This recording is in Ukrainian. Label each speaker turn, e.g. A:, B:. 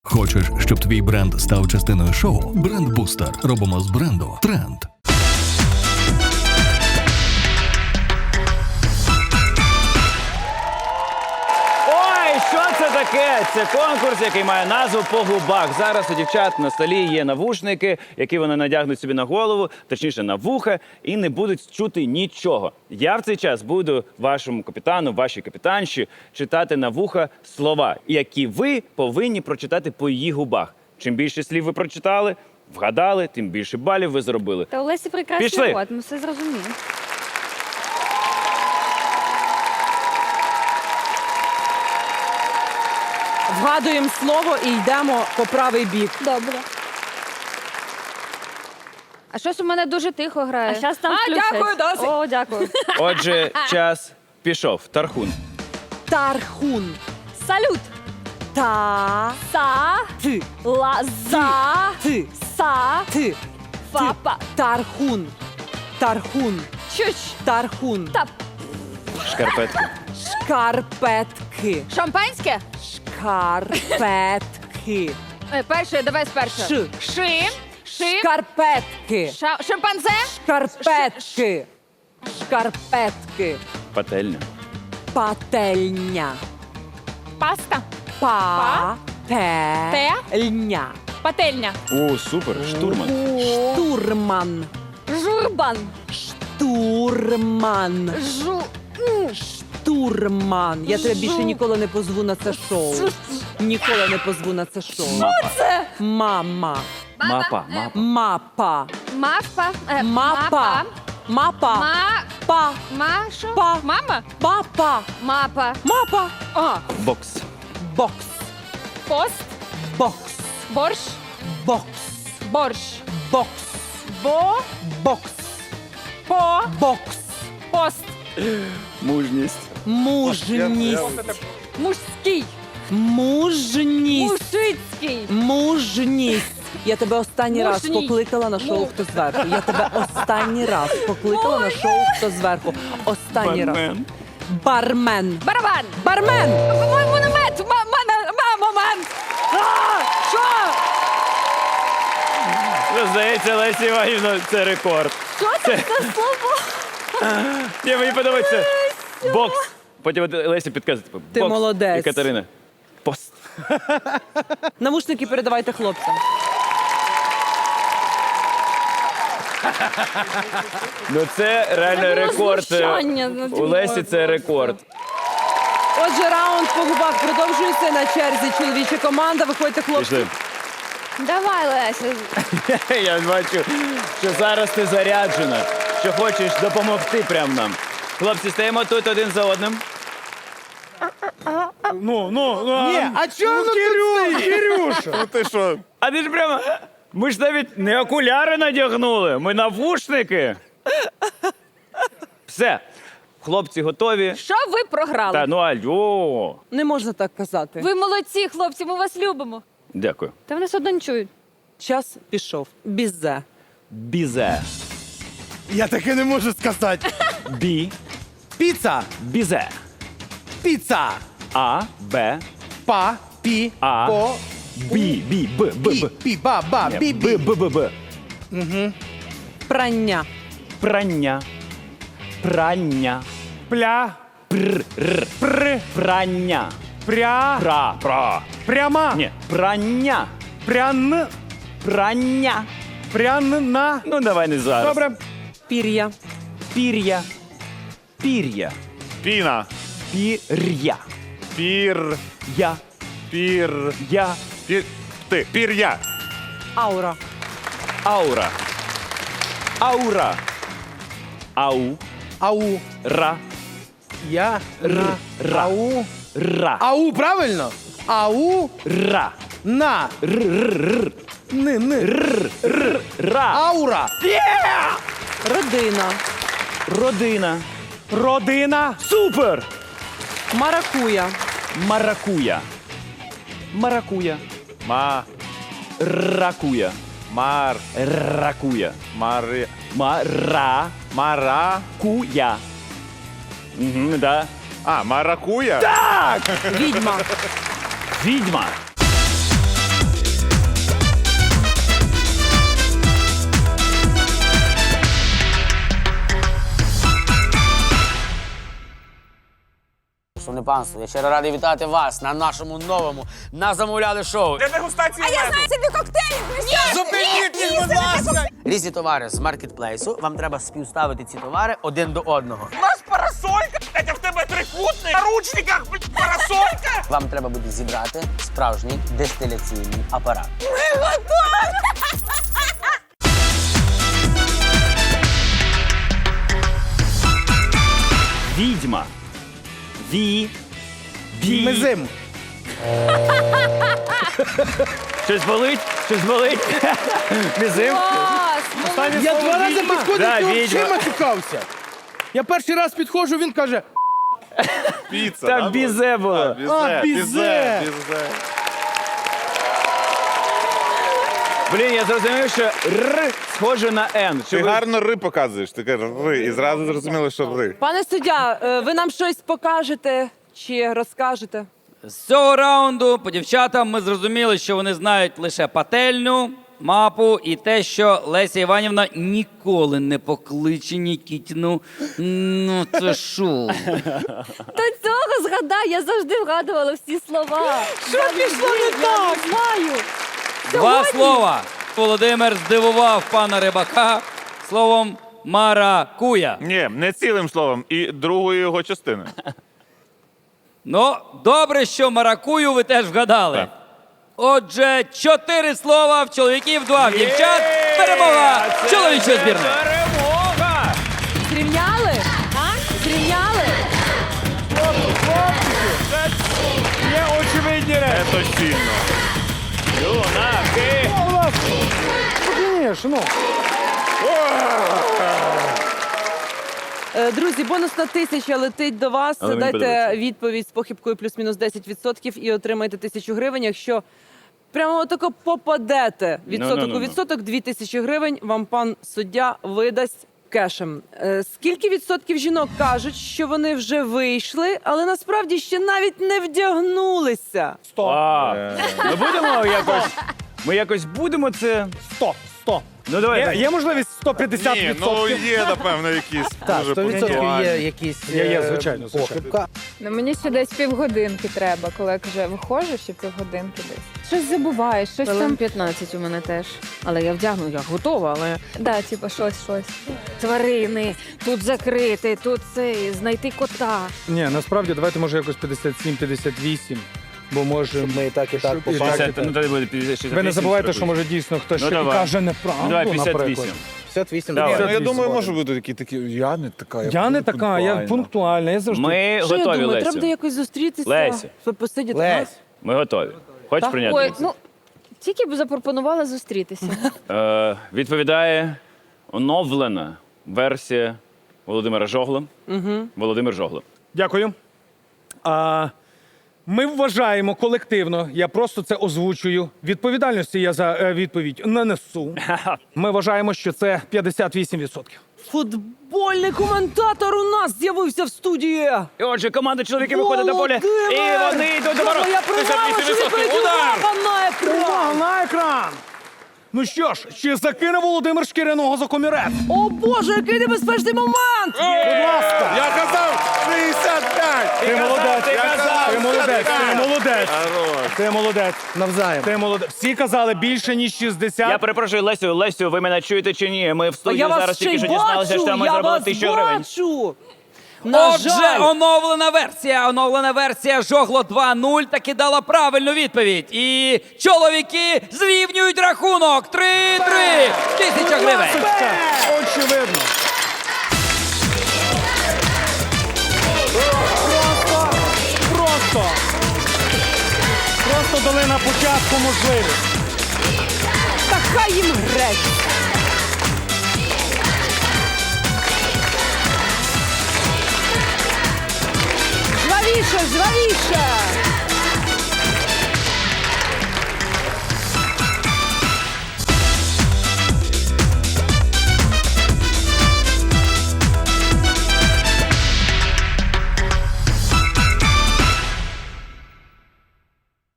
A: Хочеш, щоб твій бренд став частиною шоу? Бренд-бустер. Робимо з бренду тренд.
B: Ой, що це таке? Це конкурс, який має назву «По губах». Зараз у дівчат на столі є навушники, які вони надягнуть собі на голову, точніше на вуха, і не будуть чути нічого. Я в цей час буду вашому капітану, вашій капітанші читати на вуха слова, які ви повинні прочитати по її губах. Чим більше слів ви прочитали, вгадали, тим більше балів ви зробили.
C: Та у Лесі прекрасний
B: Пішли.
C: рот, ми все зрозуміли.
D: Вгадуємо слово і йдемо по правий бік.
C: Добре. А щось у мене дуже тихо грає.
D: А щас там включать.
C: дякую, досить. О, дякую.
B: Отже, час пішов. Тархун.
D: Тархун.
C: Салют.
D: Та.
C: Са.
D: Ти.
C: Ла. За.
D: Ти.
C: Са.
D: Ти.
C: Фапа.
D: Тархун. Тархун.
C: Чуч.
D: Тархун.
C: Та.
B: Шкарпетки.
D: Шкарпетки.
C: Шампанське?
D: Шкарпетки.
C: Перше, давай спершу.
D: Ш.
C: Ши. Ши.
D: Шкарпетки.
C: Шимпанзе?
D: Шкарпетки. Шкарпетки.
B: Пательня.
D: Пательня.
C: Паста.
D: Пательня.
C: Пательня.
B: О, супер, штурман.
D: Штурман.
C: Журбан.
D: Штурман. Штурман. Я тебе більше ніколи не позву на це шоу. Ніколи не позву на це шоу.
C: Це.
D: Мама.
B: Мапа.
D: Мапа.
C: Мавпа.
D: Мапа. Мапа.
C: Ма.
D: Па.
C: Машу.
D: Па.
C: Мама.
D: Папа.
C: Мапа.
D: Мапа. А.
B: Бокс.
D: Бокс.
C: Пост.
D: Бокс.
C: Борщ.
D: Бокс.
C: Борщ.
D: Бокс.
C: Бо.
D: Бокс.
C: По.
D: Бокс.
C: Пост.
B: Мужність.
D: Мужність.
C: Мужський.
D: Мужність.
C: Мужицький.
D: Мужність. Я тебе останній раз
C: Мужній.
D: покликала на шоу «Хто зверху». Я тебе останній раз покликала на шоу «Хто зверху». Останній раз. Бармен.
C: Барабан.
D: Бармен.
C: Монумент. Момент. Що?
B: Здається, Лесі Іванівна, це рекорд.
C: Що це за слово?
B: Ні, мені подобається. Бокс. Потім от Лесі підказує. Типу,
D: Ти
B: бокс.
D: молодець.
B: І Катерина. Пост.
D: Навушники передавайте хлопцям.
B: Ну це реально рекорд.
C: знущання над
B: У Лесі це рекорд.
D: Отже, раунд по губах продовжується. На черзі чоловіча команда. Виходьте, хлопці.
B: Пішли.
C: Давай, Леся.
B: Я бачу, що зараз ти заряджена, що хочеш допомогти прям нам. Хлопці, стоїмо тут один за одним.
E: Ні, а чого Кирюша? Ну ти що?
B: А ти ж прямо. Ми ж навіть не окуляри надягнули, ми навушники. Все. Хлопці готові.
C: Що ви програли?
B: Та ну алло.
D: Не можна так казати.
C: Ви молодці, хлопці, ми вас любимо.
B: Дякую.
C: Та вони все одно не чують.
D: Час пішов. Бізе.
B: Бізе.
E: Я таке не можу сказати.
B: Бі.
E: Піца,
B: Бізе.
E: піца,
B: А. Б.
E: па, пі,
B: А.
E: по,
B: Бі. Бі. Б. Б.
E: пі,
B: Б.
E: пі, ба, ба, бі,
B: Б.
E: бі.
B: Б. Б. Б.
D: Прання.
B: Прання. Прання.
E: Пля,
B: Пр. Р.
E: пр,
B: Прання.
E: пря,
B: Пра.
E: пряма,
B: Ні. Прання.
E: прян,
B: Прання.
E: прянна.
B: Ну, давай не зараз.
E: Добре.
D: Пір'я.
B: Пір'я. Пір'я.
E: Піна,
B: Пір'я.
E: пір,
B: Я.
E: пір,
B: Я.
E: ти, пір'я.
D: Аура.
B: Аура. Аура. Ау.
E: Ау,
B: Ра.
E: я, на,
B: ра.
E: ау.
B: Ра.
E: Ау, правильно? Ау,
B: Ра.
E: на,
B: Ра.
E: аура.
D: Родина.
B: Родина.
E: Родина,
B: Супер!
D: Маракуя.
B: Маракуя. Маракуя.
E: ма,
B: Ракуя.
E: мар,
B: Ракуя.
E: мари,
B: Мара.
E: мара.
B: Куя. Угу, да.
E: А, маракуя?
B: Так!
D: Відьма.
B: Відьма.
F: панство, я щиро радий вітати вас на нашому новому «На замовляли» шоу.
G: Для дегустації меду.
H: Собі коктейлі!
G: Зупиніть їх, будь ласка!
F: Різні товари з маркетплейсу. Вам треба співставити ці товари один до одного.
G: У нас парасолька, блядь, а в тебе трикутник. На ручниках, блядь, парасолька.
F: Вам треба буде зібрати справжній дистиляційний апарат.
B: Відьма.
E: Мизим.
B: Щось болить? Щось болить? Мізим?
C: Клас!
E: Я 2 рази підходив,
B: Да,
E: ти
B: відьма.
E: взагалі матюкався. Я перший раз підходжу, він каже,
I: Піца,
B: Там бізе було.
E: бізе.
B: Блін, я зрозумів, що Р схоже на Н.
I: Ти гарно ри показуєш, ти кажеш ри, і зразу зрозуміло, що ри.
D: Пане суддя, ви нам щось покажете чи розкажете?
J: З цього раунду по дівчатам ми зрозуміли, що вони знають лише пательню, мапу і те, що Леся Іванівна ніколи не покличе Нікітіну. Ну це шо?
C: До цього згадай, я завжди вгадувала всі слова.
D: Що пішло не так?
C: Знаю.
J: Два слова. Володимир здивував пана Рибака словом маракуя.
I: Ні, не цілим словом, і другою його частиною.
J: Ну, добре, що маракую ви теж вгадали.
I: Так.
J: Отже, 4 слова в чоловіків, 2 в дівчат. Перемога чоловічої збірної.
B: Перемога!
C: Зрівняли? Зрівняли?
B: Є очевидні речі.
I: Це сильно.
B: Юнаки!
E: Звісно.
D: Друзі, бонусна 1000 летить до вас.
B: Але мені
D: Дайте
B: подобається.
D: відповідь з похибкою плюс-мінус 10% і отримаєте 1000 гривень. Якщо прямо отако попадете відсоток у відсоток, 2000 гривень вам пан суддя видасть кешем. Скільки відсотків жінок кажуть, що вони вже вийшли, але насправді ще навіть не вдягнулися?
E: 100.
B: Ми будемо якось. Ми якось будемо це.
E: 100.
B: Ну давай.
E: Є можливість 150%?
I: Ні, ну є, напевно, якісь.
K: Так,
I: дуже
K: 100%
I: пунктуальні.
K: є якісь
E: Є, звичайно.
K: похибка.
H: Ну мені ще десь півгодинки треба, коли вже виходжу, ще півгодинки десь. Щось забуваєш, щось там.
C: 15 у мене теж. Але я вдягну, я готова, але
H: Да, типу, щось.
C: тварини, тут закрити, тут це, знайти кота.
E: Ні, насправді давайте може якось 57-58, бо може...
K: Ми і так
E: Щоб-
K: побачили.
B: Ну тоді буде 56.
E: Ви не забувайте, що може дійсно хтось
B: Ну,
E: ще і
B: давай.
E: каже неправду,
B: Ну, давай, 58.
E: наприклад.
K: 58.
B: Давай.
I: Ну, я
E: 58
I: думаю,
E: балів.
I: може бути такі, я не така.
E: Я не така, я пунктуальна, я завжди...
B: Ми
D: Що я
B: готові,
D: думаю, треба буде
B: Лесю.
D: якось зустрітися,
B: Леся.
D: посидіти.
K: Лесь.
B: Ми готові. Хочеш
D: Так.
B: прийняти?
C: Ой,
B: участь?
C: ну тільки б запропонувала зустрітися.
B: Відповідає оновлена версія Володимира Жогла. Володимир Жогла.
E: Дякую. Ми вважаємо колективно, я просто це озвучую, відповідальності я за відповідь не несу. Ми вважаємо, що це 58%.
D: Футбольний коментатор у нас з'явився в студії.
B: І отже, команда чоловіків виходить на поле. І вони йдуть до ворот.
D: Я програма, що відповідь увага на екран.
E: Увага на екран! Ну що ж, чи закине Володимир шкіряного за комірець?
D: О Боже, який небезпечний момент!
E: Будь ласка!
I: Я казав 65!
E: Ти молодець,
B: ти казав,
E: ти молодець, ти молодець.
I: Хорош.
E: Ти молодець.
K: Навзаєм.
E: Ти молодець. Всі казали більше, ніж 60.
B: Я перепрошую, Лесю, ви мене чуєте чи ні? Ми в
D: А
B: студії
D: я
B: зараз
D: вас ще
B: тільки
D: й
B: що дізналися, що
D: бачу,
B: ми
D: я
B: зробили
D: вас
B: 1000 гривень.
D: бачу. На
J: Отже,
D: жаль.
J: оновлена версія Жогло 2.0 таки дала правильну відповідь. І чоловіки зрівнюють рахунок 3-3. 1000 гривень.
E: Очевидно. Просто дали на початку можливість.
D: Та хай їм грець. Жвавіше, жвавіше.